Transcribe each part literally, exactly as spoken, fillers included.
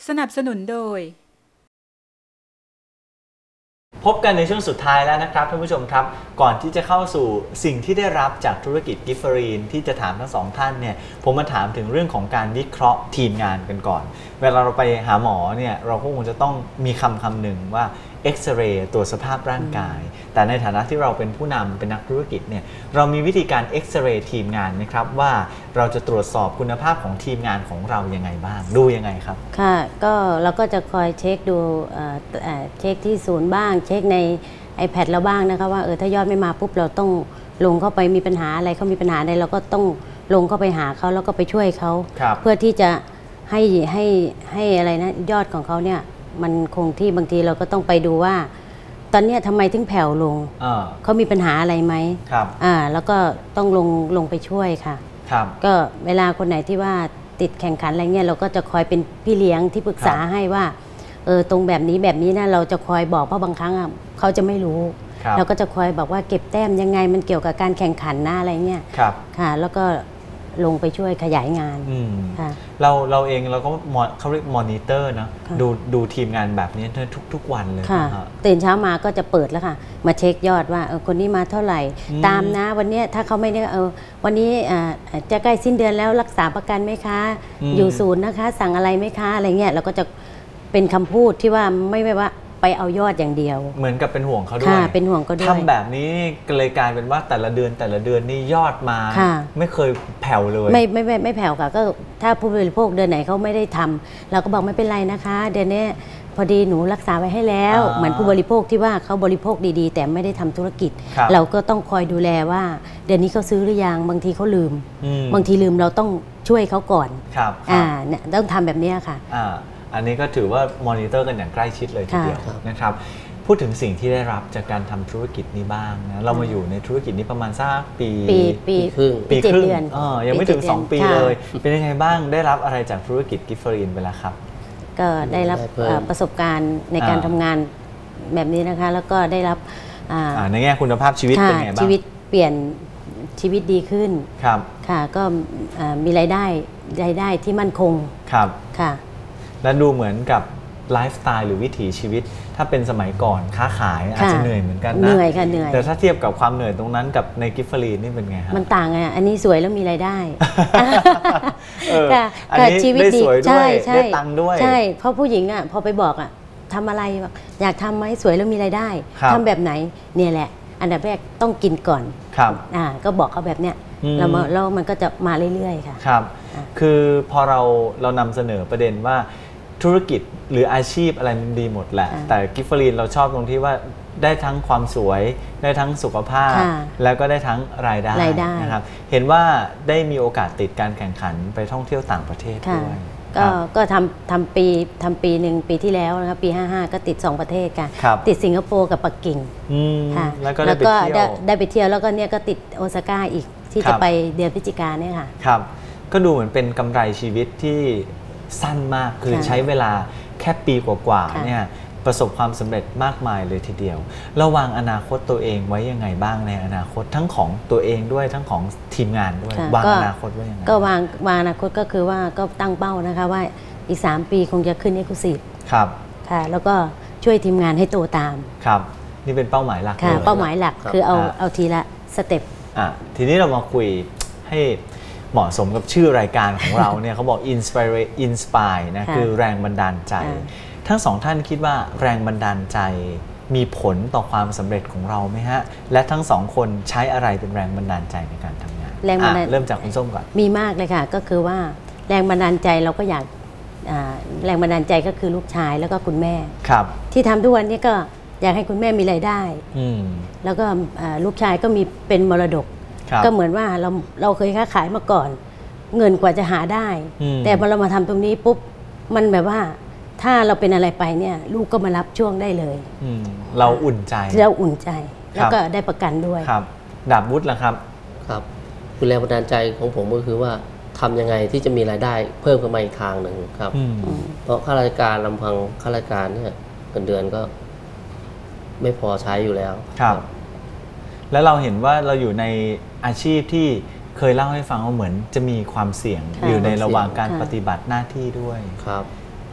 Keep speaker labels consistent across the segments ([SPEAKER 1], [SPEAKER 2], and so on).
[SPEAKER 1] สนับสนุนโดย
[SPEAKER 2] พบกันในช่วงสุดท้ายแล้วนะครับท่านผู้ชมครับก่อนที่จะเข้าสู่สิ่งที่ได้รับจากธุรกิจกิฟเฟอรีนที่จะถามทั้งสองท่านเนี่ยผมมาถามถึงเรื่องของการวิเคราะห์ทีมงานกันก่อนเวลาเราไปหาหมอเนี่ยเราก็คงจะต้องมีคำคำหนึ่งว่าเอ็กซเรย์ตรวจสภาพร่างกายแต่ในฐานะที่เราเป็นผู้นำเป็นนักธุรกิจเนี่ยเรามีวิธีการเอ็กซเรย์ทีมงานไหมครับว่าเราจะตรวจสอบคุณภาพของทีมงานของเรายังไงบ้างดูยังไงครับ
[SPEAKER 3] ค่ะก็เราก็จะคอยเช็คดูเช็คที่ศูนย์บ้างเช็คใน iPad เราบ้างนะคะว่าเออถ้ายอดไม่มาปุ๊บเราต้องลงเข้าไปมีปัญหาอะไรเขามีปัญหาอะไรเราก็ต้องลงเข้าไปหาเขาแล้วก็ไปช่วยเขาเพื่อที่จะให้ให้ให้อะไรนะยอดของเขาเนี่ยมันคงที่บางทีเราก็ต้องไปดูว่าตอนนี้ทำไมถึงแผ่วลงเขามีปัญหาอะไรไหมครับอ่าแล้วก็ต้องลงลงไปช่วยค่ะครับก็เวลาคนไหนที่ว่าติดแข่งขันอะไรเงี้ยเราก็จะคอยเป็นพี่เลี้ยงที่ปรึกษาให้ว่าเออตรงแบบนี้แบบนี้นะเราจะคอยบอกเพราะบางครั้งอ่ะเขาจะไม่รู้เราก็จะคอยบอกว่าเก็บแต้มยังไงมันเกี่ยวกับการแข่งขันนะอะไรเงี้ยค่ะแล้วก็ลงไปช่วยขยายงานเรา
[SPEAKER 2] เราเองเราก็เขาเรียกมอนิเตอร์นะดูดูทีมงานแบบนี้ทุกทุกวันเลย
[SPEAKER 3] ค่ะตื่นเช้ามาก็จะเปิดแล้วค่ะมาเช็คยอดว่าเออคนนี้มาเท่าไหร่ตามนะวันนี้ถ้าเขาไม่ได้เออวันนี้จะใกล้สิ้นเดือนแล้วรักษาประกันไหมคะอยู่ศูนย์นะคะสั่งอะไรไหมคะอะไรเงี้ยเราก็จะเป็นคำพูดที่ว่าไม่ไม่ว่าไปเอายอดอย่างเดียว
[SPEAKER 2] เหมือนกับเป็นห่วงเขาด้วย
[SPEAKER 3] เป็นห่วงก็ด้วย
[SPEAKER 2] ทำแบบนี้เลยกลายเป็นว่าแต่ละเดือนแต่ละเดือนนี่ยอดมาไม่เคยแผ่วเลย
[SPEAKER 3] ไม่ไม่ไม่ไม่แผ่วค่ะก็ถ้าผู้บริโภคเดือนไหนเขาไม่ได้ทำเราก็บอกไม่เป็นไรนะคะเดือนนี้พอดีหนูรักษาไว้ให้แล้วเหมือนผู้บริโภคที่ว่าเขาบริโภคดีๆแต่ไม่ได้ทำธุรกิจเราก็ต้องคอยดูแลว่าเดือนนี้เขาซื้อหรือยังบางทีเขาลืมบางทีลืมเราต้องช่วยเขาก่อนอ่าเนี่ยต้องทำแบบนี้ค่ะ
[SPEAKER 2] อันนี้ก็ถือว่ามอนิเตอร์กันอย่างใกล้ชิดเลยทีเดียวนะครับพูดถึงสิ่งที่ได้รับจากการทำธุรกิจนี้บ้างนะเรามาอยู่ในธุรกิจนี้ประมาณสักปี
[SPEAKER 3] ปี
[SPEAKER 2] ครึ่งปีครึ่งยังไม่ถึงสองปีเลยเป็นยังไงบ้างได้รับอะไรจากธุรกิจกิฟเฟอรีนไปแล้วครับ
[SPEAKER 3] ก็ได้รับประสบการณ์ในการทำงานแบบนี้นะคะแล้วก็ได้รับ
[SPEAKER 2] ในแง่คุณภาพชีวิตเป็นไงบ้าง
[SPEAKER 3] ชีวิตเปลี่ยนชีวิตดีขึ้น
[SPEAKER 2] ครับ
[SPEAKER 3] ค่ะก็มีรายได้รายได้ที่มั่นคง
[SPEAKER 2] ครับ
[SPEAKER 3] ค่ะ
[SPEAKER 2] และดูเหมือนกับไลฟ์สไตล์หรือวิถีชีวิตถ้าเป็นสมัยก่อนค้าขายอาจจะเหนื่อยเหมือนกันนะ
[SPEAKER 3] เหนื่อยค่ะเหนื่อย
[SPEAKER 2] แต่ถ้าเทียบกับความเหนื่อยตรงนั้นกับในกิฟเฟอรีนนี่เป็นไงครับ
[SPEAKER 3] มันต่างไงอันนี้สวยแล้วมีรายได้
[SPEAKER 2] ค่ะอันนี้ได้สวยด้วยได้ตังค์ด้วย
[SPEAKER 3] ใช่เพราะผู้หญิงอ่ะพอไปบอกอ่ะทำอะไรอยากทำไหมสวยแล้วมีรายได้ทำแบบไหนเนี่ยแหละอันดับแรกต้องกินก่อน
[SPEAKER 2] ครับ
[SPEAKER 3] อ่าก็บอกเขาแบบเนี้ยแล้วแล้วมันก็จะมาเรื่อยๆค่ะ
[SPEAKER 2] ครับคือพอเราเรานำเสนอประเด็นว่าธุรกิจหรืออาชีพอะไรมันดีหมดแหละแต่กิฟเฟอรีนเราชอบตรงที่ว่าได้ทั้งความสวยได้ทั้งสุขภาพแล้วก็ได้ทั้งรายได้นะครับเห็นว่าได้มีโอกาสติดการแข่งขันไปท่องเที่ยวต่างประเทศด้วย
[SPEAKER 3] ก็ก็ทำทำปีทำปีหนึ่งปีที่แล้วนะครับปีห้าห้าก็ติดสองประเทศกันติดสิงคโปร์กับปักกิ่ง
[SPEAKER 2] ค่ะแล้วก็
[SPEAKER 3] ได้ไปเที่ยวแล้วก็เนี่ยก็ติดโอซาก้าอีกที่จะไปเดือนพฤศจิกายนเนี่ยค่ะ
[SPEAKER 2] ครับก็ดูเหมือนเป็นกำไรชีวิตที่สั้นมากคือใช้เวลาแค่ปีกว่าๆเนี่ยประสบความสำเร็จมากมายเลยทีเดียวเราวางอนาคตตัวเองไว้ยังไงบ้างในอนาคตทั้งของตัวเองด้วยทั้งของทีมงานด้วยวางอนาคตไว้ยังไง
[SPEAKER 3] ก็วางวางอนาคตก็คือว่าก็ตั้งเป้านะคะว่าอีกสามปีคงจะขึ้น Exclusive
[SPEAKER 2] ครับ
[SPEAKER 3] ค่ะแล้วก็ช่วยทีมงานให้โตตาม
[SPEAKER 2] ครับนี่เป็นเป้าหมายหลัก
[SPEAKER 3] ค่ะเป้าหมายหลักคือเอาเอาทีละสเต็ป
[SPEAKER 2] อ่ะทีนี้เรามาคุยให้เหมาะสมกับชื่อรายการของเราเนี่ยเขาบอก inspire inspire นะคือแรงบันดาลใจทั้งสองท่านคิดว่าแรงบันดาลใจมีผลต่อความสำเร็จของเราไหมฮะและทั้งสองคนใช้อะไรเป็นแรงบันดาลใจในการทำงาน
[SPEAKER 3] แรงบันดาล
[SPEAKER 2] เริ่มจากคุณส้มก่อน
[SPEAKER 3] มีมากเลยค่ะก็คือว่าแรงบันดาลใจเราก็อยากแรงบันดาลใจก็คือลูกชายแล้วก็คุณแม่
[SPEAKER 2] ครับ
[SPEAKER 3] ที่ทำทุกวันนี้ก็อยากให้คุณแม่มีรายได้แล้วก็ลูกชายก็มีเป็นมรดกก็เหมือนว่าเราเราเคยค้าขายมาก่อนเงินกว่าจะหาได้แต่พอเรามาทำตรงนี้ปุ๊บมันแบบว่าถ้าเราเป็นอะไรไปเนี่ยลูกก็มารับช่วงได้เลย
[SPEAKER 2] เราอุ่นใจ
[SPEAKER 3] เราอุ่นใจแล้วก็ได้ประกันด้วย
[SPEAKER 2] ครับดาบวุฒิล่ะครับ
[SPEAKER 4] ครับคือแรงบันดาลใจของผมก็คือว่าทำยังไงที่จะมีรายได้เพิ่มขึ้นมาอีกทางหนึ่งครับเพราะข้าราชการลำพังข้าราชการเนี่ยเงินเดือนก็ไม่พอใช้อยู่แล้ว
[SPEAKER 2] ครับแล้วเราเห็นว่าเราอยู่ในอาชีพที่เคยเล่าให้ฟังว่าเหมือนจะมีความเสี่ยงอยู่ในระหว่างการปฏิบัติหน้าที่ด้วย
[SPEAKER 4] ครับ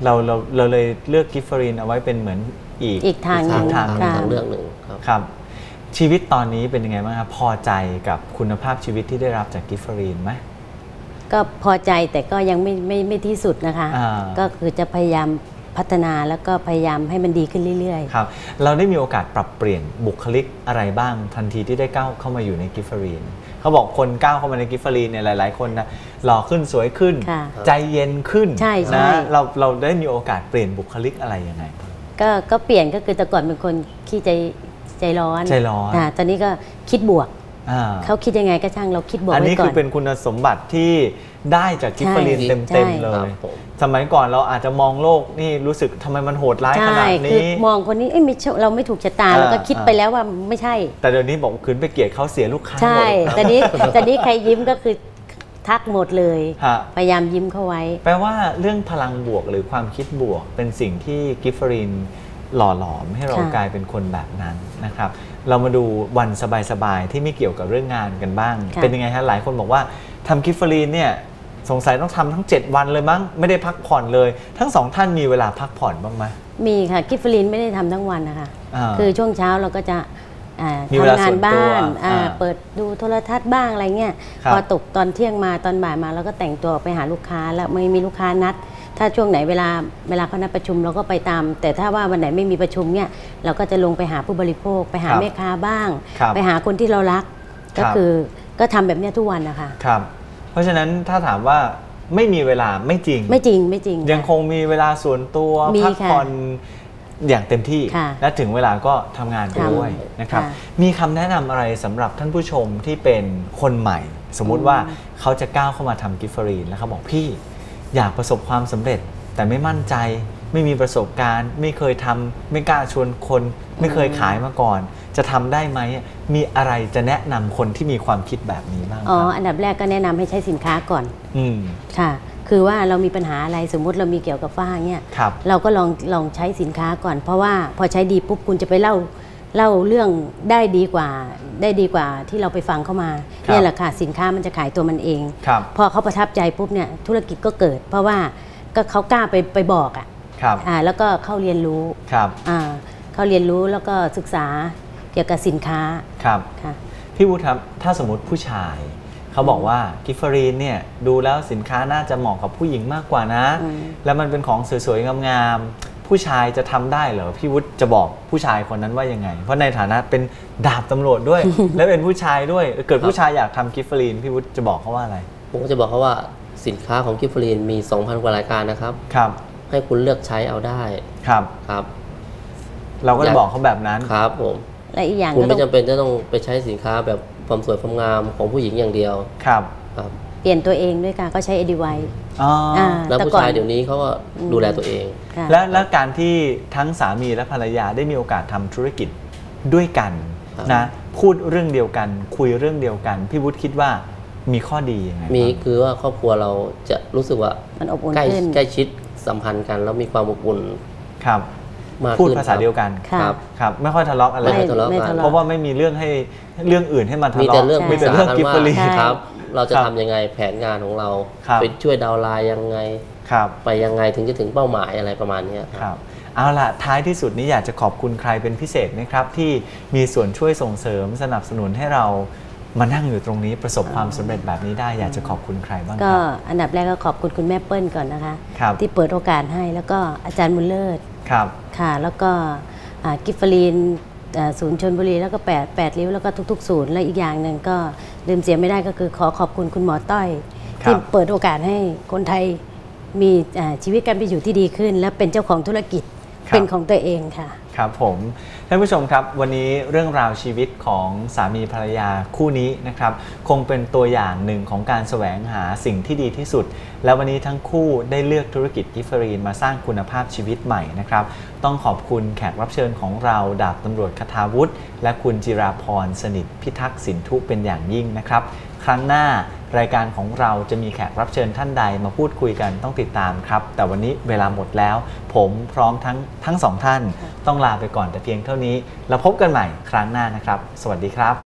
[SPEAKER 2] เราเราเราเลยเลือกกิฟเฟอรีนเอาไว้เป็นเหมือนอีก
[SPEAKER 3] อีกทางหนึ่ง
[SPEAKER 2] ทาง
[SPEAKER 3] ค่ะ
[SPEAKER 4] ทางเรื่องหนึ่งครับ
[SPEAKER 2] ครับชีวิตตอนนี้เป็นยังไงบ้างครับพอใจกับคุณภาพชีวิตที่ได้รับจากกิฟเฟอรีนไหม
[SPEAKER 3] ก็พอใจแต่ก็ยังไม่ไม่ไม่ที่สุดนะคะ
[SPEAKER 2] อ่า
[SPEAKER 3] ก็คือจะพยายามพัฒนาแล้วก็พยายามให้มันดีขึ้นเรื่อย
[SPEAKER 2] ครับเราได้มีโอกาสปรับเปลี่ยนบุคลิกอะไรบ้างทันทีที่ได้ก้าวเข้ามาอยู่ในกิฟเฟอรีนเขาบอกคนก้าวเข้ามาในกิฟเฟอรีนเนี่ยหลายๆคนนะหล่อขึ้นสวยขึ้น
[SPEAKER 3] ค่ะ
[SPEAKER 2] ใจเย็นขึ้น
[SPEAKER 3] ใช่ใช่
[SPEAKER 2] นะเราเราได้มีโอกาสเปลี่ยนบุคลิกอะไรยังไง
[SPEAKER 3] ๆก็ก็เปลี่ยนก็คือแต่ก่อนเป็นคนขี้ใจใจร้อน
[SPEAKER 2] ใจร้อน
[SPEAKER 3] อ่าตอนนี้ก็คิดบวก
[SPEAKER 2] อ่า
[SPEAKER 3] เขาคิดยังไงก็ช่างเราคิดบวก
[SPEAKER 2] อัน
[SPEAKER 3] ไว้
[SPEAKER 2] นี้
[SPEAKER 3] ก่อ
[SPEAKER 2] คือน เป็นคุณสมบัติที่ได้จากกิฟเฟอรีน
[SPEAKER 3] ใช่
[SPEAKER 2] เต็ม
[SPEAKER 3] ใช่
[SPEAKER 2] เต็มเล
[SPEAKER 4] ครั
[SPEAKER 2] ย
[SPEAKER 4] บผม
[SPEAKER 2] สมัยก่อนเราอาจจะมองโลกนี่รู้สึกทำไมมันโหดร้ายข
[SPEAKER 3] ใช่
[SPEAKER 2] นาด
[SPEAKER 3] คือ
[SPEAKER 2] นี้
[SPEAKER 3] มองคนนี้เอ้ยไม่ใช่เราไม่ถูกชะตา
[SPEAKER 2] อ่า
[SPEAKER 3] แล้วก็คิด
[SPEAKER 2] อ่า
[SPEAKER 3] ไปแล้วว่าไม่ใช่
[SPEAKER 2] แต่เดี๋ยวนี้บอกคืนไปเกลียดเขาเสียลูกค้าห
[SPEAKER 3] ใช่
[SPEAKER 2] มด
[SPEAKER 3] แต่นี้แต่นี้ใครยิ้มก็คือทักหมดเลย
[SPEAKER 2] ฮะ
[SPEAKER 3] พยายามยิ้มเข้าไว้
[SPEAKER 2] แปลว่าเรื่องพลังบวกหรือความคิดบวกเป็นสิ่งที่กิฟเฟอรีนหล่อหลอมให้เรา
[SPEAKER 3] ค่ะ
[SPEAKER 2] กลายเป็นคนแบบนั้นนะครับ เรามาดูวันสบายๆที่ไม่เกี่ยวกับเรื่องงานกันบ้าง
[SPEAKER 3] ค่ะ
[SPEAKER 2] เป็นยังไงฮะหลายคนบอกว่าทำกิฟเฟอรีนเนี่ยสงสัยต้องทำทั้งเจ็ดวันเลยมั้งไม่ได้พักผ่อนเลย ทั้งสองท่านมีเวลาพักผ่อนบ้างไหม
[SPEAKER 3] มีค่ะกิฟฟลินไม่ได้ทำทั้งวันนะคะ
[SPEAKER 2] อ่า
[SPEAKER 3] คือช่วงเช้าเราก็จะอ่า
[SPEAKER 2] มีเวลา
[SPEAKER 3] ทำงา
[SPEAKER 2] ส่
[SPEAKER 3] น
[SPEAKER 2] วนตัว
[SPEAKER 3] บ้านอ่า
[SPEAKER 2] อ่า
[SPEAKER 3] เปิดดูโทรทัศน์บ้างอะไรเงี้ย
[SPEAKER 2] ครับ
[SPEAKER 3] พอตกตอนเที่ยงมาตอนบ่ายมาเราก็แต่งตัวไปหาลูกค้าแล้วไม่มีลูกค้านัด ถ้าช่วงไหนเวลาเวลาเขานัดประชุมเราก็ไปตาม แต่ถ้าว่าวันไหนไม่มีประชุมเนี่ยเราก็จะลงไปหาผู้บริโภค ไปหา
[SPEAKER 2] ครับ
[SPEAKER 3] แม่ค้าบ้าง
[SPEAKER 2] ครับ
[SPEAKER 3] ไปหาคนที่เรารัก ก็
[SPEAKER 2] ครับ
[SPEAKER 3] คือก็ทำแบบเนี้ยทุกวันนะคะ
[SPEAKER 2] ครับ เพราะฉะนั้นถ้าถามว่าไม่มีเวลาไม่จริง
[SPEAKER 3] ไม่จริงไม่จริง
[SPEAKER 2] ยังคงมีเวลาส่วนตัว
[SPEAKER 3] มี
[SPEAKER 2] พัก
[SPEAKER 3] ค่ะ
[SPEAKER 2] ผ่อนอย่างเต็มที่
[SPEAKER 3] ค่ะ
[SPEAKER 2] และถึงเวลาก็ทำงานไป
[SPEAKER 3] ค่ะ
[SPEAKER 2] ด้วยนะครับ
[SPEAKER 3] ค่ะ
[SPEAKER 2] มีคำแนะนำอะไรสำหรับท่านผู้ชมที่เป็นคนใหม่ สมมุติว่าเขาจะก้าวเข้ามาทำกิฟเฟอรีนแล้วเขาบอกพี่อยากประสบความสำเร็จ แต่ไม่มั่นใจ ไม่มีประสบการณ์ ไม่เคยทำไม่กล้าชวนคน ไม่เคยขายมาก่อน จะทำได้ไหมมีอะไรจะแนะนำคนที่มีความคิดแบบนี้บ้างค
[SPEAKER 3] อ๋อ
[SPEAKER 2] รับ
[SPEAKER 3] อันดับแรกก็แนะนำให้ใช้สินค้าก่อน
[SPEAKER 2] อืม
[SPEAKER 3] ค่ะ คือว่าเรามีปัญหาอะไรสมมุติเรามีเกี่ยวกับฝ้าเนี่ย
[SPEAKER 2] ครับ
[SPEAKER 3] เราก็ลองลองใช้สินค้าก่อน เพราะว่าพอใช้ดีปุ๊บคุณจะไปเล่าเล่าเรื่องได้ดีกว่าได้ดีกว่าที่เราไปฟังเข้ามา
[SPEAKER 2] ครับ
[SPEAKER 3] เนี่ยแหละค่ะสินค้ามันจะขายตัวมันเอง
[SPEAKER 2] ครับ
[SPEAKER 3] พอเขาประทับใจปุ๊บเนี่ยธุรกิจก็เกิด เพราะว่าก็เขากล้าไปไปบอกอ่ะ
[SPEAKER 2] ครับ
[SPEAKER 3] อ่าแล้วก็เข้าเรียนรู้
[SPEAKER 2] ครับ
[SPEAKER 3] อ่าเข้าเรียนรู้แล้วก็ศึกษาเกี่ยวกับสินค้า
[SPEAKER 2] ครับ
[SPEAKER 3] ค่ะ
[SPEAKER 2] พี่วุฒิครับ ถ้าสมมติผู้ชาย เขาบอกว่ากิฟเฟอรีนเนี่ยดูแล้วสินค้าน่าจะเหมาะกับผู้หญิงมากกว่านะ
[SPEAKER 3] อืม
[SPEAKER 2] แล้วมันเป็นของสวยๆงามๆผู้ชายจะทำได้เหรอพี่วุฒิจะบอกผู้ชายคนนั้นว่ายังไง เพราะในฐานะเป็นดาบตำรวจด้วย และเป็นผู้ชายด้วย เกิดผู้ชายอยากทำกิฟเฟอรีนพี่วุฒิจะบอกเขาว่าอะไร
[SPEAKER 4] ผมก็จะบอกเขาว่าสินค้าของกิฟเฟอรีนมี สองพัน กว่ารายการนะครับ
[SPEAKER 2] ครับ
[SPEAKER 4] ให้คุณเลือกใช้เอาได้
[SPEAKER 2] ครับ
[SPEAKER 4] ครับ
[SPEAKER 2] เราก็จะบอกเขาแบบนั้น
[SPEAKER 4] ครับผม
[SPEAKER 3] และอีกอย่าง
[SPEAKER 4] คุณ
[SPEAKER 3] ก็
[SPEAKER 4] ไม่
[SPEAKER 3] ต้อง
[SPEAKER 4] จำเป็นจะต้องไปใช้สินค้าแบบความสวยความงามของผู้หญิงอย่างเดียว
[SPEAKER 2] ครับ
[SPEAKER 4] ครับ
[SPEAKER 3] เปลี่ยนตัวเองด้วยค่ะก็ใช้เอดีไว
[SPEAKER 2] อ๋ออ
[SPEAKER 3] อ่า
[SPEAKER 4] แล้ว
[SPEAKER 3] แต่
[SPEAKER 4] ผู้
[SPEAKER 3] ก่อน
[SPEAKER 4] ชายเดี๋ยวนี้เขาก็ดูแลตัวเอง
[SPEAKER 3] ค่ะ
[SPEAKER 2] และและการที่ทั้งสามีและภรรยาได้มีโอกาสทำธุรกิจด้วยกัน
[SPEAKER 4] ครับ
[SPEAKER 2] นะพูดเรื่องเดียวกัน คุยเรื่องเดียวกัน พี่วุฒิคิดว่ามีข้อดียังไง
[SPEAKER 4] มี
[SPEAKER 2] บ้าง
[SPEAKER 4] คือว่าครอบครัวเราจะรู้สึกว่า
[SPEAKER 3] มันอบอุ่น
[SPEAKER 4] ใกล้
[SPEAKER 3] ขึ้น
[SPEAKER 4] ใกล้ชิดสัมพันธ์กัน แล้วมีความอบอุ่น
[SPEAKER 2] ครับ
[SPEAKER 4] มาก
[SPEAKER 2] พูด
[SPEAKER 4] ขึ้น
[SPEAKER 2] ภาษาเดียวกัน
[SPEAKER 3] ค่ะ
[SPEAKER 4] ครับ
[SPEAKER 2] ครับไม่ค่อยทะเลาะอะไร
[SPEAKER 4] ไม่ค่อยทะเลาะ
[SPEAKER 3] ไม่
[SPEAKER 4] กัน
[SPEAKER 3] ทะเลาะ
[SPEAKER 2] เพราะว่าไม่มีเรื่องให้เรื่องอื่นให้มาทะ
[SPEAKER 4] มี
[SPEAKER 2] เลาะ
[SPEAKER 4] แต่เรื่อง
[SPEAKER 2] มีแต่เรื่อง
[SPEAKER 4] ปรึ
[SPEAKER 2] กิฟ
[SPEAKER 4] ษา
[SPEAKER 2] เฟอรีน
[SPEAKER 3] ใช่
[SPEAKER 4] ครับ เราจะ
[SPEAKER 2] ครับ
[SPEAKER 4] ทำยังไงแผนงานของเรา
[SPEAKER 2] ครับ
[SPEAKER 4] ไปช่วยดาวน์ไลน์ยังไง
[SPEAKER 2] ครับ
[SPEAKER 4] ไปยังไงถึงจะถึงเป้าหมายอะไรประมาณเนี้ย
[SPEAKER 2] ครับเอาล่ะท้ายที่สุดนี้อยากจะขอบคุณใครเป็นพิเศษไหมครับ ที่มีส่วนช่วยส่งเสริมสนับสนุนให้เรามานั่งอยู่ตรงนี้ประสบความสำเร็จแบบนี้ได้อยากจะขอบคุณใครบ้างค
[SPEAKER 3] ก็
[SPEAKER 2] รับ
[SPEAKER 3] อันดับแรกก็ขอบคุณคุณแม่เปิ้ลก่อนนะคะ
[SPEAKER 2] ครับ
[SPEAKER 3] ที่เปิดโอกาสให้แล้วก็อาจารย์บุญเลิศ
[SPEAKER 2] ครับ
[SPEAKER 3] ค่ะ แล้วก็อ่ากิฟฟลีนอ่าศูนย์ชลบุรีแล้วก็แปด แปดริ้วแล้วก็ทุกๆ ศูนย์และอีกอย่างหนึ่งก็ลืมเสียไม่ได้ก็คือขอขอบคุณคุณหมอต้อย
[SPEAKER 2] ครับ
[SPEAKER 3] ที่เปิดโอกาสให้คนไทยมีอ่าชีวิตการเป็นอยู่ที่ดีขึ้น และเป็นเจ้าของธุรกิจเป็นของตัวเองค่ะ
[SPEAKER 2] ครับผมท่านผู้ชมครับวันนี้เรื่องราวชีวิตของสามีภรรยาคู่นี้นะครับคงเป็นตัวอย่างหนึ่งของการแสวงหาสิ่งที่ดีที่สุด และวันนี้ทั้งคู่ได้เลือกธุรกิจกิฟเฟอรีนมาสร้างคุณภาพชีวิตใหม่นะครับต้องขอบคุณแขกรับเชิญของเราดาบตำรวจคทาวุฒิและคุณจิราพรสนิทพิทักษ์สินทุเป็นอย่างยิ่งนะครับครั้งหน้ารายการของเราจะมีแขกรับเชิญท่านใดมาพูดคุยกันต้องติดตามครับแต่วันนี้เวลาหมดแล้วผมพร้อมทั้งทั้งสองท่านต้องลาไปก่อนแต่เพียงเท่านี้แล้วพบกันใหม่ครั้งหน้านะครับสวัสดีครับ